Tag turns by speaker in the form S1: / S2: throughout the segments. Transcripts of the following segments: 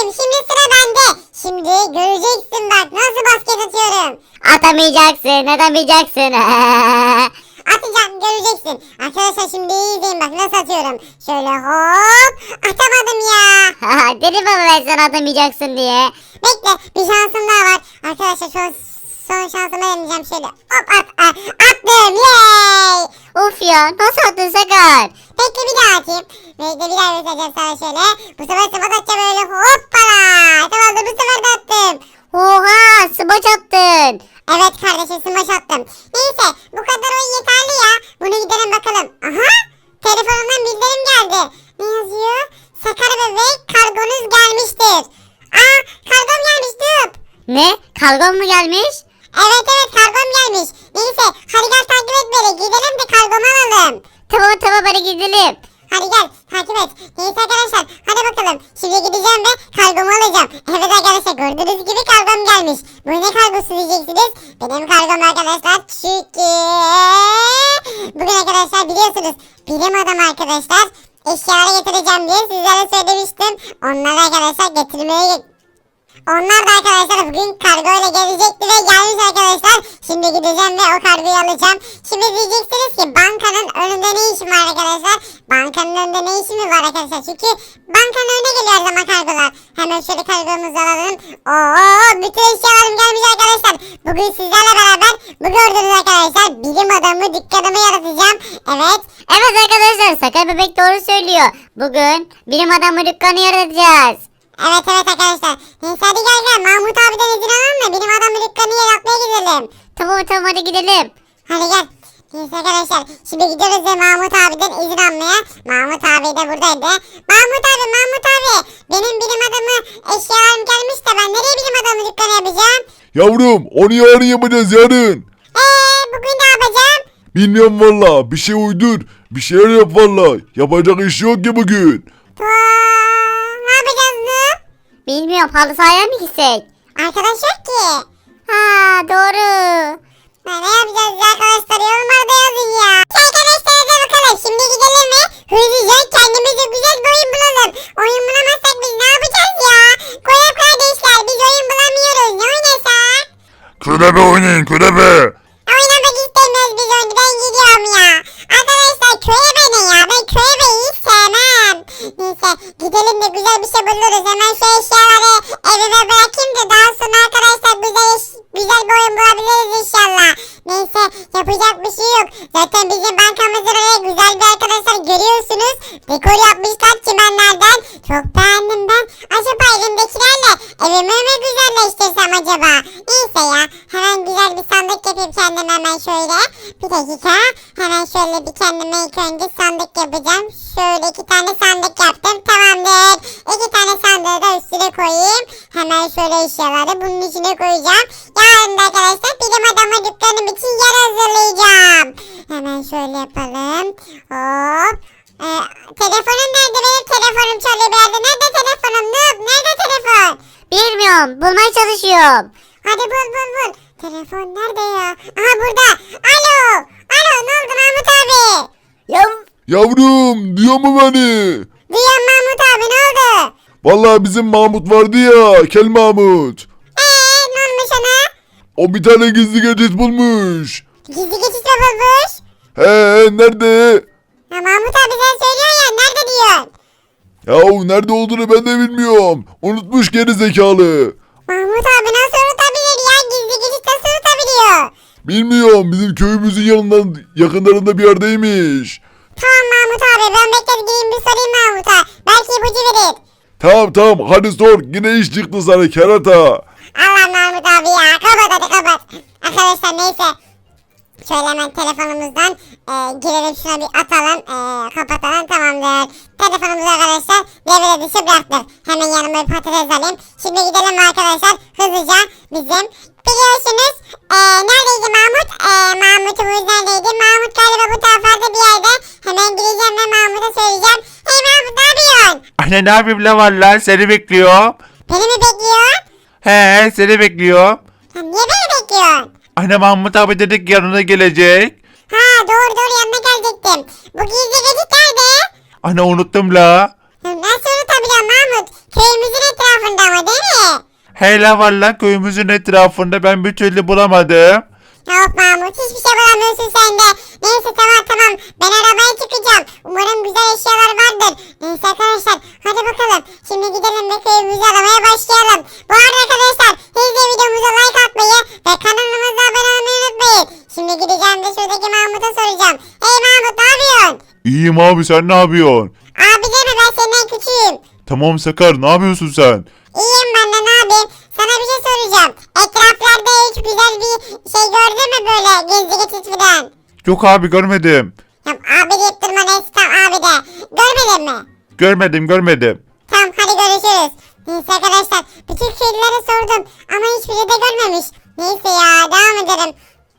S1: şimdi sıra bende. Şimdi göreceksin bak nasıl basket atıyorum.
S2: Atamayacaksın.
S1: Atacağım göreceksin. Arkadaşlar şimdi iyi izleyin bak nasıl atıyorum. Şöyle hop atamadım ya.
S2: Dedim ama ben sana atamayacaksın diye.
S1: Bekle bir şansım daha var. Arkadaşlar son şansımı deneyeceğim şöyle. Hop attım yay.
S2: Of ya, nasıl attın Sakar?
S1: Bekle bir daha atayım. Bekle bir daha göstereceğim sana şöyle. Bu sefer sıfat atacağım öyle hoppala. Tamam bu sefer de attım.
S2: Oha, smaç attın.
S1: Evet kardeşim smaç attım. Neyse bu kadar oyun yeterli ya. Bunu gidelim bakalım. Aha telefonumdan bildirim geldi. Ne yazıyor? Sakar bebek kargonuz gelmiştir. Aa kargom gelmiş dur.
S2: Ne? Kargon mu gelmiş?
S1: Evet kargom gelmiş. Neyse hadi gel takip et beni. Gidelim de kargomu alalım.
S2: Tamam hadi gidelim.
S1: Hadi gel takip et. Neyse arkadaşlar hadi bakalım. Şimdi gideceğim ve kargomu alacağım. Evet arkadaşlar gördüğünüz gibi kargom gelmiş. Bu ne kargosu diyeceksiniz. Benim kargom arkadaşlar çünkü bugün arkadaşlar biliyorsunuz bilim adamı arkadaşlar eşyaları getireceğim diye sizlere söylemiştim. Onları arkadaşlar onlar da arkadaşlar bugün kargoyla gelecekti ve gelmiş arkadaşlar. Şimdi gideceğim ve o kargoyu alacağım. Şimdi diyeceksiniz ki bankanın önünde ne işim var arkadaşlar? Bankanın önünde ne işim var arkadaşlar? Çünkü bankanın önüne geliyor her zaman kargolar. Hemen şöyle kargomuzu alalım. Oo bütün eşyalarım gelmiş arkadaşlar. Bugün sizlerle beraber bu gördüğünüz arkadaşlar bilim adamı dükkanımı yaratacağım. Evet.
S2: Evet arkadaşlar, Sakar bebek doğru söylüyor. Bugün bilim adamı dükkanı yaratacağız.
S1: Evet arkadaşlar. Neyse hadi gel Mahmut abiden izin alalım da benim adamı dükkanı yaratmaya gidelim.
S2: Tamam hadi gidelim.
S1: Hadi gel. Neyse arkadaşlar şimdi gidiyoruz ve Mahmut abiden izin almaya. Mahmut abi de buradaydı. Mahmut abi benim bilim adamı eşyalarım gelmiş de ben nereye bilim adamı dükkanı yapacağım?
S3: Yavrum onu yarın yapacağız yarın.
S1: Bugün ne yapacağım?
S3: Bilmiyorum valla bir şey uydur. Bir şeyler yap valla. Yapacak iş yok ki bugün.
S1: Ne yapacağız mı?
S2: Bilmiyorum, halı sahaya mı gitsek?
S1: Arkadaş yok ki.
S2: Ha doğru.
S1: Ne yapacağız ya arkadaşlar yorumlarda yazın ya. Arkadaşlar hadi bakalım şimdi gidelim ve hızlıca kendimize güzel bir oyun bulalım. Oyun bulamazsak biz ne yapacağız ya? Koyun kardeşler biz oyun bulamıyoruz ne oynasak?
S3: Körebe oynayın körebe.
S1: Oynamak istemiyoruz biz oyunu ben gidiyorum ya. Arkadaşlar köye ne ya ben köye hiç sevmem. Neyse gidelim de güzel bir şey buluruz. Hemen şu eşyaları evime bırakayım da daha sonra arkadaşlar güzel bir oyun bulabiliriz inşallah. Neyse yapacak bir şey yok. Zaten bizim bankamızın oraya güzel bir arkadaşlar görüyorsunuz. Dekor yapmışlar çimenlerden. Çok beğendim ben. Acaba elimdekilerle evimi mi güzelleştirsem acaba? Neyse ya hemen güzel bir sandık yapayım kendime hemen şöyle. Bir dakika hemen şöyle bir kendime ilk önce sandık yapacağım. Şöyle 2 tane sandık yaptım tamamdır. 2 tane sandığı da üstüne koyayım. Hemen şöyle eşyaları bunun içine koyacağım. Yarın da arkadaşlar bilim adamı dükkanım için yer hazırlayacağım. Hemen şöyle yapalım. Hop. Telefonum nerede benim telefonum çalıyor bir yerde. Nerede telefonum Noob? Nerede telefon?
S2: Bilmiyorum, bulmaya çalışıyorum.
S1: Hadi bul. Telefon nerede ya? Aha burada. Alo ne oldu Mahmut abi?
S3: Yavrum duyuyor mu beni?
S1: Duyuyorum Mahmut abi ne oldu?
S3: Valla bizim Mahmut vardı ya Kel Mahmut.
S1: Ne olmuş ona?
S3: O bir tane gizli geçit bulmuş.
S1: Gizli geçiş mi bulmuş?
S3: He nerede?
S1: Ya Mahmut abi sen söylüyorsun ya nerede diyorsun?
S3: Yahu nerede olduğunu ben de bilmiyorum. Unutmuş geri zekalı.
S1: Mahmut abi nasıl unutabilir ya? Gizli geçiş nasıl unutabiliyor?
S3: Bilmiyorum bizim köyümüzün yanından yakınlarında bir yerdeymiş.
S1: Tamam Mahmut abi ben gideyim bir sorayım Mahmut'a. Belki ipucu verir.
S3: Tamam hadi sor yine iş çıktı sana kerata.
S1: Allah Mahmut abi ya kapat. Arkadaşlar neyse. Şöyle hemen telefonumuzdan girelim şuna bir atalım. Kapatalım tamamdır. Telefonumuzu arkadaşlar devre dışı bıraktık. Hemen yanıma bir patates alayım. Şimdi gidelim arkadaşlar hızlıca bizim. Biliyorsunuz neredeydi Mahmut? Mahmut'umuz neredeydi? Mahmut galiba bu taraflarda bir yerde. Hemen gideceğim ve Mahmut'a söyleyeceğim. Hey Mahmut ne yapıyorsun?
S4: Anne ne yapayım la valla seni bekliyor.
S1: Beni mi bekliyorsun?
S4: He seni bekliyor.
S1: Sen niye beni bekliyorsun?
S4: Anne Mahmut abi dedik yanına gelecek.
S1: Ha doğru yanına gelecektim. Bu gizli geçit nerede?
S4: Anne unuttum la.
S1: Nasıl biliyorum Mahmut. Köyümüzün etrafında ama değil mi?
S4: Hele valla köyümüzün etrafında ben bir türlü bulamadım.
S1: Yok Mahmut hiçbir şey bulamıyorsun sen de. Neyse tamam ben arabaya çıkacağım. Umarım güzel eşyalar vardır. Neyse arkadaşlar hadi bakalım. Şimdi gidelim ve köyümüzü aramaya başlayalım. Bu arada arkadaşlar siz de videomuza like atmayı ve kanalımıza abone olmayı unutmayın. Şimdi gideceğim ve şuradaki Mahmut'a soracağım. Hey Mahmut ne yapıyorsun?
S3: İyiyim abi, sen ne yapıyorsun?
S1: Abi deme ben senden küçüğüm.
S3: Tamam Sakar, ne yapıyorsun sen?
S1: İyiyim ben de ne yapayım? Sana bir şey soracağım. Etraflarda hiç güzel bir şey gördün mü böyle gizli geçit falan?
S4: Yok abi görmedim.
S1: Ya abi deyip durma neyse tamam abi de. Görmedin mi?
S4: Görmedim.
S1: Tamam hadi görüşürüz. Neyse arkadaşlar bütün köylülere sordum ama hiçbiri de görmemiş. Neyse ya devam edelim.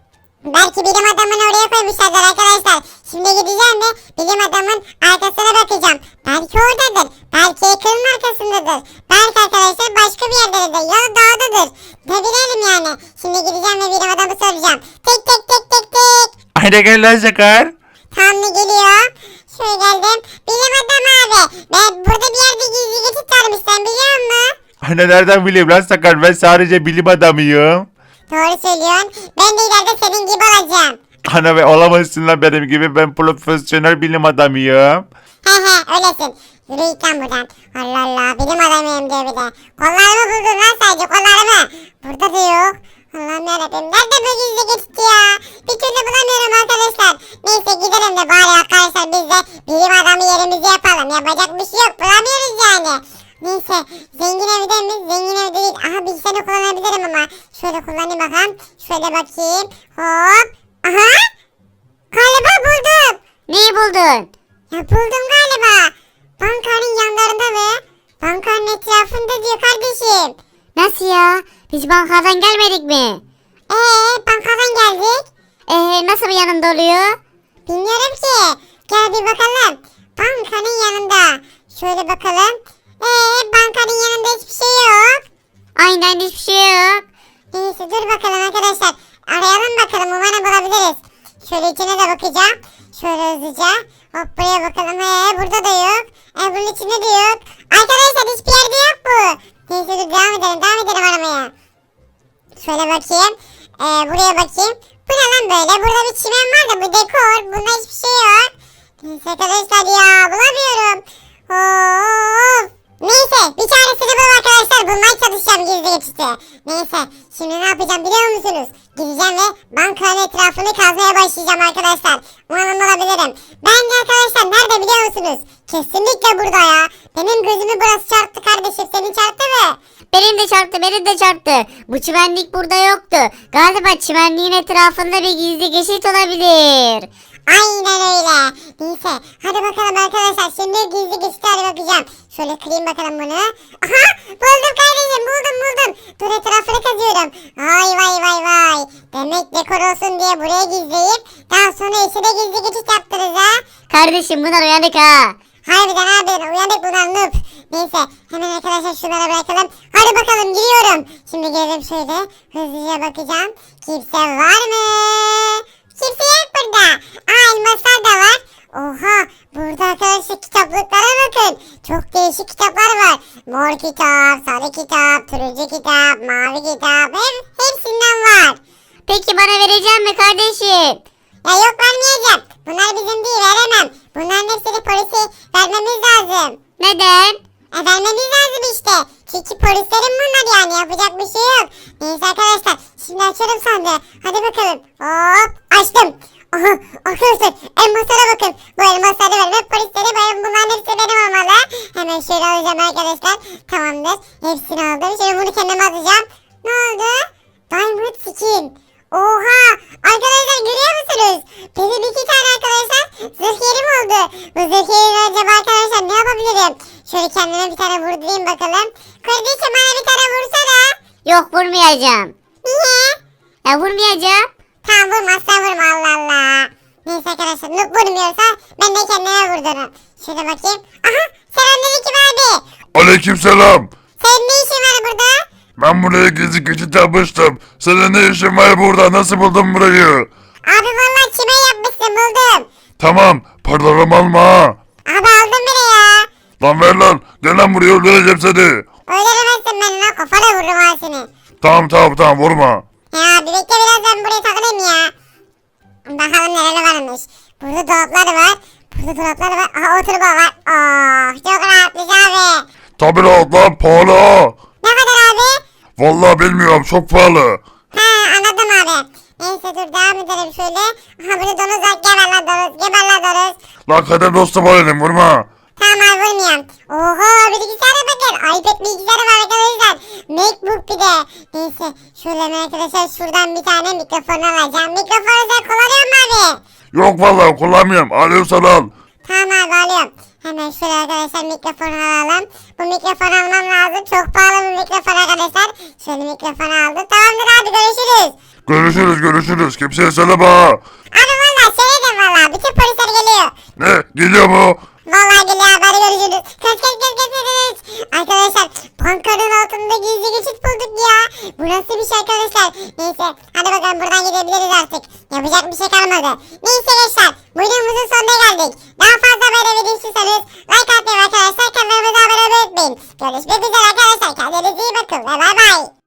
S1: Belki bilim adamını oraya koymuşlardır arkadaşlar. Şimdi gideceğim ve bilim adamın arkasına bakacağım. Belki oradadır. Belki ekranın arkasındadır. Belki arkadaşlar başka bir yerdedir. Ya da dağdadır. Ne bilelim yani. Şimdi gideceğim ve bilim adamı soracağım. Tek tek tek tek tek.
S4: Haydi gel lan Sakar.
S1: Tam da geliyor. Şöyle geldim. Bilim adamı abi. Ben burada bir yerde gizli geçit varmış sen biliyor musun?
S4: Hani nereden bileyim lan Sakar, ben sadece bilim adamıyım.
S1: Doğru söylüyorsun. Ben de ileride senin gibi olacağım.
S4: Ana ve olamazsın lan benim gibi, ben profesyonel bilim adamıyım.
S1: He öylesin. Yürü git lan buradan. Allah Allah bilim adamıyım diyor bir de. Kollarımı buldun lan sadece kollarımı. Burada da yok. Allah'ım yarabbim. Nerede bu gizli geçti ya? Bir türlü bulamıyorum arkadaşlar. Neyse gidelim de bari arkadaşlar biz de bilim adamı yerimizi yapalım. Yapacak bir şey yok. Bulamıyoruz yani. Neyse zengin evde mi? Zengin evde değil. Aha bilgisayarı kullanabilirim ama. Şöyle kullanayım bakalım. Şöyle bakayım. Hop. Aha. Galiba buldum.
S2: Neyi buldun?
S1: Ya buldum galiba. Bankanın yanlarında mı? Bankanın etrafında diyor kardeşim.
S2: Nasıl ya? Biz bankadan gelmedik mi?
S1: Bankadan geldik.
S2: Nasıl bir yanında oluyor?
S1: Bilmiyorum ki. Gel bir bakalım. Bankanın yanında. Şöyle bakalım. Bankanın yanında hiçbir şey yok.
S2: Aynen hiçbir şey yok.
S1: Neyse dur bakalım arkadaşlar. Arayalım bakalım umarım bulabiliriz. Şöyle içine de bakacağım. Şöyle hızlıca. Hop buraya bakalım. Burada da yok. Bunun içinde de yok. Arkadaşlar hiçbir yerde yok bu. Neyse dur devam edelim aramaya. Şöyle bakayım. Buraya bakayım. Bu ne lan böyle? Burada bir çimen var da bu dekor. Bunda hiçbir şey yok. Neyse arkadaşlar ya bulamıyorum. Of. Neyse bir çaresini bul arkadaşlar. Bulmaya çalışacağım gizli geçiti. Neyse şimdi ne yapacağım biliyor musunuz? Gideceğim ve bankanın etrafını kazmaya başlayacağım arkadaşlar. Umarım bulabilirim. Ben de arkadaşlar nerede biliyor musunuz? Kesinlikle burada ya. Benim gözümü burası çarptı kardeşim. Senin çarptı mı?
S2: Benim de çarptı. Bu çimenlik burada yoktu. Galiba çimenliğin etrafında bir gizli geçit olabilir.
S1: Aynen öyle. Neyse hadi bakalım arkadaşlar. Şimdi gizli geçitlere bakacağım. Şöyle kırayım bakalım bunu. Aha buldum kardeşim buldum. Dur etrafını kazıyorum. Vay. Demek dekor olsun diye buraya gizleyip daha sonra içine gizli geçit yaptınız ha.
S2: Kardeşim bunlar uyanık ha.
S1: Harbiden uyanık bunlar noob. Neyse hemen arkadaşlar şunlara bırakalım. Hadi bakalım giriyorum. Şimdi girelim şöyle. Hızlıca bakacağım. Kimse var mı? Kimse yok burada. Elmaslar da var. Oha burada arkadaşlar kitaplıklara bakın. Çok değişik kitaplar var. Mor kitap, sarı kitap, turuncu kitap, mavi kitap. Hepsinden var.
S2: Peki bana verecek mi kardeşim?
S1: Ya yok vermeyeceğim. Bunlar bizim değil veremem. Bunların hepsini polise vermemiz lazım.
S2: Neden?
S1: Vermemiz lazım işte. Çünkü polislerin bunlar yani yapacak bir şey yok. Neyse arkadaşlar şimdi açalım sandığı. Hadi bakalım. Hop açtım. Aha arkadaşlar elmaslara bakın. Bu elmasları vermek polisleri benim bunların hepsi benim olmalı. Hemen şöyle alacağım arkadaşlar. Tamamdır. Hepsini aldım. Şimdi bunu kendime atacağım. Ne oldu? Diamond skin. Oha! Arkadaşlar görüyor musunuz? Benim 2 tane arkadaşlar zırh yerim oldu. Bu zırh yerine acaba arkadaşlar ne yapabilirim? Şöyle kendime bir tane vurdurayım bakalım. Kardeşim bana bir tane vursana.
S2: Yok vurmayacağım.
S1: Niye?
S2: Ya vurmayacağım.
S1: Tamam vurmazsan vurma Allah Allah. Neyse arkadaşlar noob vurmuyorsa ben de kendime vurdurum. Şöyle bakayım. Aha selamünaleyküm abi.
S3: Aleykümselam.
S1: Senin ne işin var burada?
S3: Ben buraya gizli geçit yapmıştım. Senin ne işin var burada? Nasıl buldun burayı?
S1: Abi vallahi çimen yapmışsın buldum.
S3: Tamam, paralarımı alma ha.
S1: Abi aldım bile ya.
S3: Lan ver lan. Gel lan buraya öldüreceğim seni.
S1: Öldüremezsin beni lan, kafana vururum ha seni.
S3: Tamam vurma.
S1: Ya bir bekle, biraz ben buraya takılayım ya. Bakalım neler varmış. Burada dolaplar var. Aha, oturma var. Oh, çok rahatmış abi.
S3: Tabi rahat lan pahalı ha.
S1: Ne kadar abi?
S3: Vallahi bilmiyorum çok pahalı.
S1: Ha, anladım abi. Neyse dur devam edelim şöyle. Aha, burada donuz var. Geber lan donuz.
S3: Lan kader dostum olayım vurma.
S1: Tamam abi, vurmuyorum. Oha, bilgisayara bakın. iPad bilgisayarı var arkadaşlar. Macbook bir de. Neyse şöyle arkadaşlar şuradan bir tane mikrofon alacağım. Mikrofonu sen kullanıyor musun abi?
S3: Yok vallahi kullanmıyorum. Alıyorsan al.
S1: Tamam abi, alıyorum. Hemen şöyle arkadaşlar mikrofonu alalım. Bu mikrofonu almam lazım. Çok pahalı bir mikrofon arkadaşlar. Şöyle mikrofonu aldım. Tamamdır abi, görüşürüz.
S3: Görüşürüz. Kimseye söyleme ha.
S1: Abi valla söyledim valla. Bütün polisler geliyor.
S3: Ne? Geliyor mu?
S1: Vallahi geliyor abi, hadi görüşürüz. Kaç. Arkadaşlar bankanın altında gizli geçit bulduk ya. Bu nasıl bir şey arkadaşlar? Neyse hadi bakalım, buradan gidebiliriz artık. Yapacak bir şey kalmadı. Neyse gençler, bu videomuzun sonuna geldik. Daha fazla böyle video istiyorsanız like atmayı arkadaşlar, kanalımıza abone olmayı unutmayın. Görüşmek üzere arkadaşlar, kendinize iyi bakın ve bay bay.